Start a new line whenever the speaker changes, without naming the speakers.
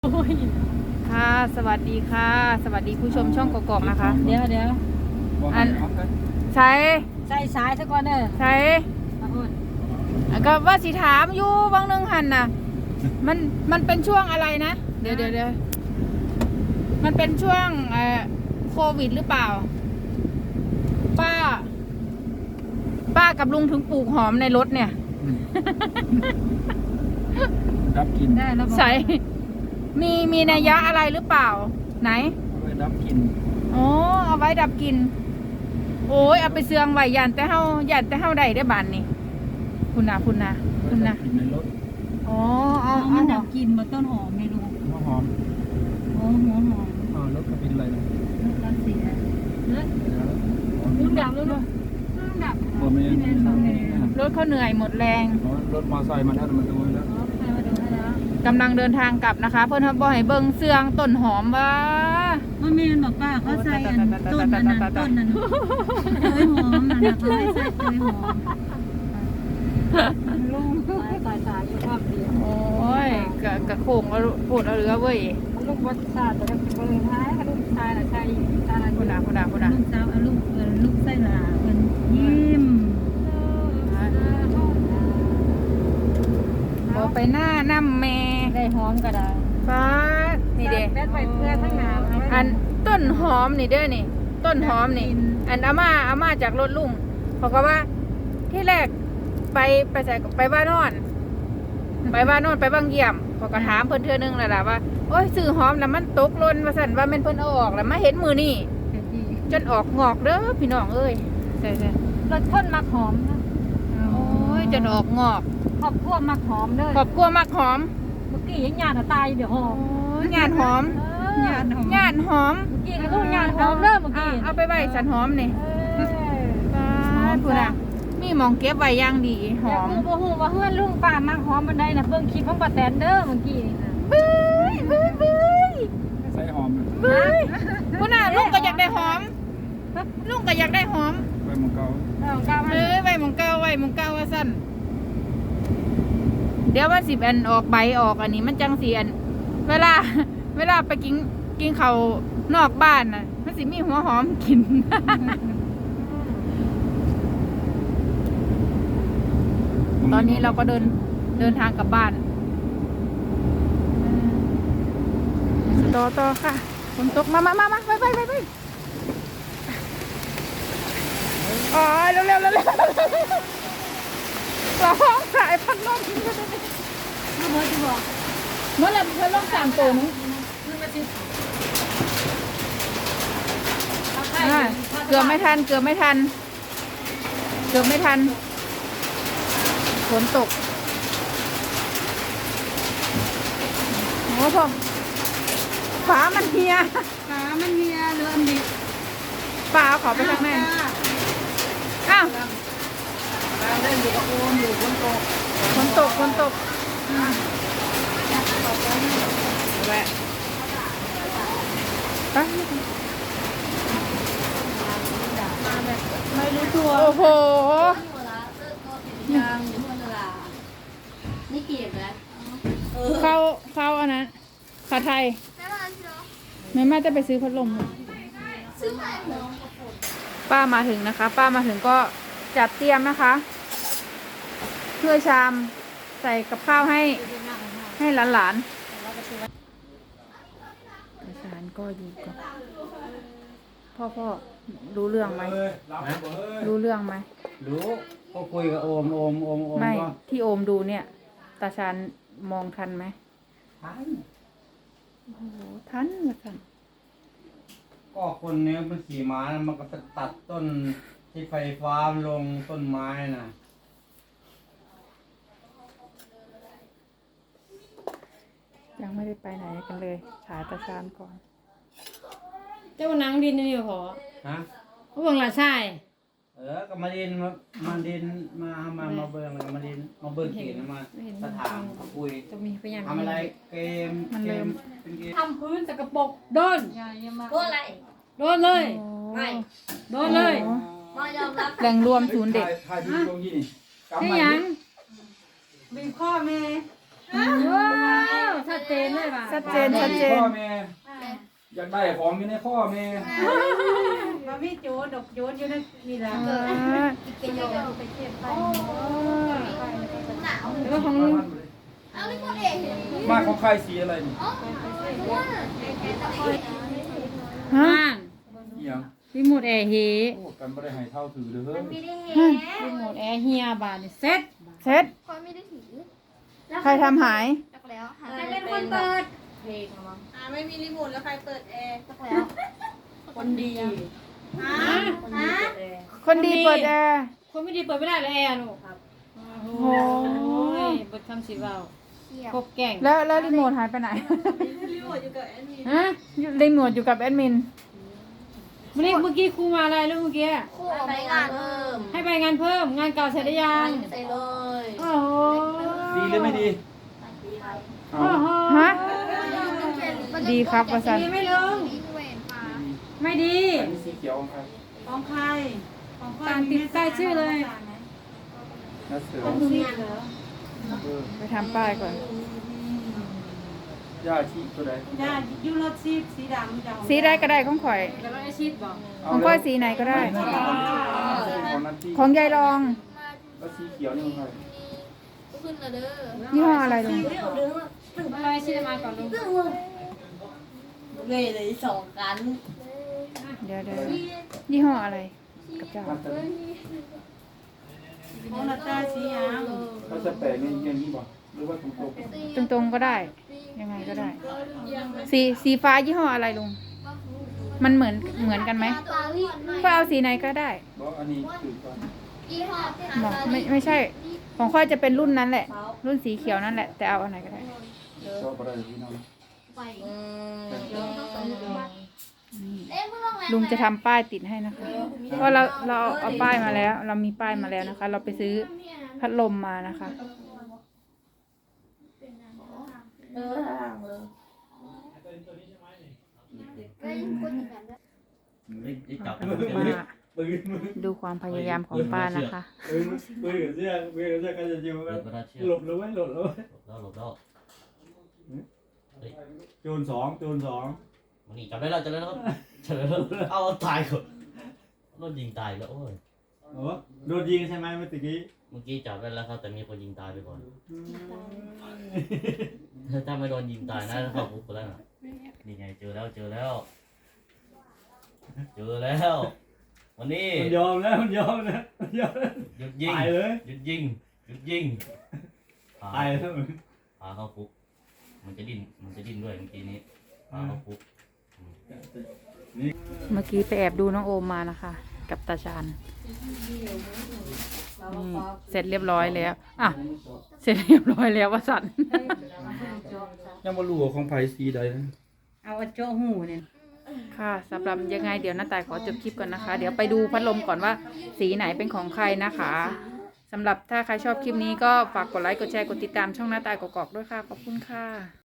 ค่ะสวัสดีค่ะสวัสดีผู้ชมช่องกอกๆนะคะ
เดี๋ยว
อันใช้
ใส่สายซะก่อนเด้อ
ใช้ก็ว่าสิถามอยู่บางนึงหันน่ะมันเป็นช่วงอะไรนะเดี๋ยวมันเป็นช่วงโควิดหรือเปล่าป้ากับลุงถึงปลูกหอมในรถเนี่ย
ดับกลิ่น
ได้แล้ว
ใช่มีนัยยะอะไรหรือเปล่าไหน
เอาไว้ดับกลิ่น
อ๋อเอาไว้ดับกลิ่นโอ้ยเอาไปเสืองไว้ยันแต่เฮาได้บานนี่คุณนะ
ดับกลิ่นในรถ
อ๋อ
มันดับกลิ่นมาต้นหอมไม่รู้
หัวหอม
หัวหอม
รถก็เป็นอะไรนะ
รถเสียรุ่นดับ
บ่แม่น
รถเขาเหนื่อยหมดแรง
รถมอไซค์มาแล้วมันดูแล้ว
กำลังเดินทางกลับนะคะเพื่อนเขาบอกให้เบิ่งเสืองต้นหอมว่า
มันมีบอกป้าเขาใส่ต้นนั้นเตยหอมนะเขาให้ใส่เตยหอมลุงสายอยู่ความเดียว
โอ้ยกะโค้งพูดเอาเรือเว้ย
ลูกวัดศาสตร์แต่ก็เป็นคนท้ายลูกชายน่ะใช่ตาอะไร
คุณ
ลูกสาวลูกไส้หลาเป็นยิ้ม
เอาไปหน้าน้ำแม่
ได้หอมก็ได้
ฟ้านี่เด้
แม่ไปเพื่อทั้งหนาว
อันต้นหอมนี่เด้อนี่ต้นหอมนี่อันอาม่าจากรถลุงเขาก็ว่าที่แรกไปใส่ไปบ้านนอนไปบางเยี่ยมเขาก็ถามเพิ่นเทื่อนึงแล้วล่ะว่าโอ้ยซื้อหอมแล้วมันตกหล่นว่าซั่นว่าแม่นเพิ่นเอาออกแล้วมาเห็นมือนี่จนออกงอกเด้อพี่น้องเอ้ยใช่
รสข้นมักหอมนะ
โอ้ยจนออกงอก
ครอบครัวมักหอมเด้อ
ครอบครัวมักหอม
เมื่อกี้ยังญาติตายเดี๋ยวหอม
ญาติหอม
ญาติหอม
เมื่
อกี้ก็ต้องญาติหอมเด้อเมื่อกี้
เอาไปไว้สันหอมนี่คุณอะมีหมองเก็บไว้อย่างดีหอม
บ่ฮู้ว่าเฮือนลุงป้ามักหอมบันไดน่ะเบิ่งคลิปของป้าแตนเด้อเมื่อกี้นี่นะ
บึ้ย
ใส่หอม
คุณอะลุงก็อยากได้หอมลุงก็อยากได้หอม
ไว้หมองเก่า
ไว้หมองเก่าว่าสั้นเดี๋ยวว่า10 อันออกใบออกอันนี้มันจัง4 อันเวลาไปกินข้าวนอกบ้านน่ะมันสิมีหัวหอมกินตอนนี้เราก็เดินทางกลับบ้านต่อค่ะฝนตกมาไปอ๋อเร็วร้องสายพัดลม
เมื่อที่บอก
เมื่อไรพัดลม3 ตัวนึงเกือบไม่ทันฝนตกโอ้โหฝามันเฮีย
เรืออันดิ
ฝาขอไปทางแม่อ้าว
เล่นอยู่กับโอมอยู่ฝนตก
แวะไป
ไม่รู้ตัว
โอ้โห
นี่เกียบแล้ว
เข้าอันนั้นขาไทยแม่จะไปซื้อพัดลมป้ามาถึงนะคะป้ามาถึงก็จัดเตรียมนะคะเพื่อชามใส่กับข้าวให้หลานอาจารย์ก็อยู่กับพ่อรู้เรื่องไหมรู้
ก็คุยกับโอม
ไม่ที่โอมดูเนี่ยตาชานมองทันไหม
ทัน
โอ้โหทันละกัน
ก็คนนี้มันขี่ม้ามันก็ตัดต้นที่ไฟฟ้าลงต้นไม้น่ะ
ยังไม่ได้ไปไหนกันเลยถ่ายตาชานก่อน
เจ้านังดินนี่เหรอ
ฮะ
เบิ่งละใช่
ก็มาดินมาเบิ่งมาเบิ่งเกมมาสถานคุยทำอะไรเกมเป็นเกม
ทำพื้นสกปรกโดน
อะไร
โดนเลย
ไม่
โดนเลย
มายอมรับ
แหล่งรวมศูนย์เด็ก
ถ่ายที่ตรงนี้นี่
ที่ยังมีพ่อแม่ว้าวชัดเจนเลยว่ะ
ชัดเจนชัดเจน
ข้อแม่อยากได้ของอยู่ในข้อแม่
มาไม่โจดอกโจดอยู่ในนี่แหละ
เออ
กินโยไปเก็บไปหนาว
แล้วของลุง
เอาไม่หมดเอง
มาของใครสีอะไรนี่
อ๋อว่า
ฮะ
บ้าน
เอียง
รีโมทแอร์เฮ
โอ้กันบ่ได้ให้เท่าถือเลยเฮ้ย
ไม่ได้เห็น
รีโมทแอร์เฮียบาทนี่เซ็ต
เซ็ต
คนไม่ได้ถือ
ใครทำหาย
จักแล้วใครเป็นคนเปิดเพลงมั้ง
ไม่มีรีโมทแล้วใครเปิดแอร์
จักแล้วคนดี
ฮะ
คนดีเปิดแอร์
คนดีเปิดแอร์
คนไม่ดีเปิดไม่ได้เลยแอร์ลูกครับโอ้โหเบิดคำสิเว้า
เที่ยว
พบแก่ง
แล้วรีโมทหายไปไหน
รีโมทอยู่กับแอนนี่
ฮะ
รีโมทอยู่กับแอดมิน
เมื่อกี้ครูมาอะไรลูกเมื่อกี้
คู่เอาไปงานเพิ่ม
ให้ไปงานเพิ่มงานเก่าเสร็จหรือยัง
ใส่เลย
โอ้โห
ดีหรือไม่ดีเอา
โอ้โห
ฮะ ดีครับวสัน
ดีไม่ลง
ดีเวนมา
ไม่ดี
อันนี้สีเขียวของใคร
ของใครตามติดใต้ชื่อเลย
นัดเสือ
ซีเหรอ
เออ
ไปทำป้ายก่อน
ย่าชีตัวใด
จ้ายูโรซีสีดำจะ
สีใดก็ได้ของข่อย
แล้วไอชีดบอก
ของข่อยสีไหนก็ได้
ของนัดที่
ของยายรอง
แล้วสีเขียวนี่ของใคร
ขึ้นละเด้อ
ยี่ห้ออะไรลุง
อะไรชีดมาก่อนลุง
เลยเลยสองกัน
เดี๋ยวยี่ห้ออะไรกับเจ้า
นัดเสือ
ของนาตาสีอ่าง
เขาจะแปะเงี้ยอย่างนี้บ่หรือว่าตรง
ตรงๆก็ได้ ยังไงก็ได้ สีฟ้ายี่ห้ออะไรลุง มันเหมือนกันไหม
ปารีส
ก็เอาสีไหนก็ได้
ๆบอกอันนี้คือก่อน
ยี่ห้อ
บอกไม่ใช่ ของค่อยจะเป็นรุ่นนั้นแหละ รุ่นสีเขียวนั่นแหละ แต่เอาอันไหนก็ได้
ชอบอะไรพี่น้อง
ไปเอ๊ะมึงลองแล้ว
ลุงจะทำป้ายติดให้นะคะเพราะเราเอาป้ายมาแล้ว เรามีป้ายมาแล้วนะคะ เราไปซื้อพัดลมมานะคะ
จับ
มาดูความพยายามของป้านะคะ
มือเสื้อก็จะยิ้มกันหลบแล้วไว้หลบแล้วไว้
หลบแล้ว
โจรสอง
มันนี่จับได้แล้วครับเฉลยแล้วเอาตายก่อนรถยิงตายแล้วโอ้ย
โอ้โดนยิงใช่ไหมเมื่อกี้
เมื่อกี้จับได้แล้วครับแต่มีคนยิงตายไปก่อนถ้าไม่โดนยิงตายนะเข้าคุกไปแล้วนะนี่ไงเจอแล้ววันนี้
มันยอมแล้วหยุดยิง
ตายเลยหยุดยิง
ตายแล้ว
พาเข้าคุกมันจะดิ้นด้วยเมื่อกี้นี้พาเข้าคุก
เมื่อกี้ไปแอบดูน้องโอมมานะคะ กับตาชานนี่เสร็จเรียบร้อยแล้วอ่ะเสร็จเรียบร้อยแล้ววสันต์
ยังมารู้ว่าของไผ่สีใดนะ
เอาโจ้หูเนี่ย
ค่ะสำหรับยังไงเดี๋ยวน้าต่ายขอจบคลิปก่อนนะคะ เดี๋ยวไปดูพัดลมก่อนว่าสีไหนเป็นของใครนะคะสำหรับถ้าใครชอบคลิปนี้ก็ฝากกดไลค์กดแชร์กดติดตามช่องน้าต่ายกอกๆด้วยค่ะขอบคุณค่ะ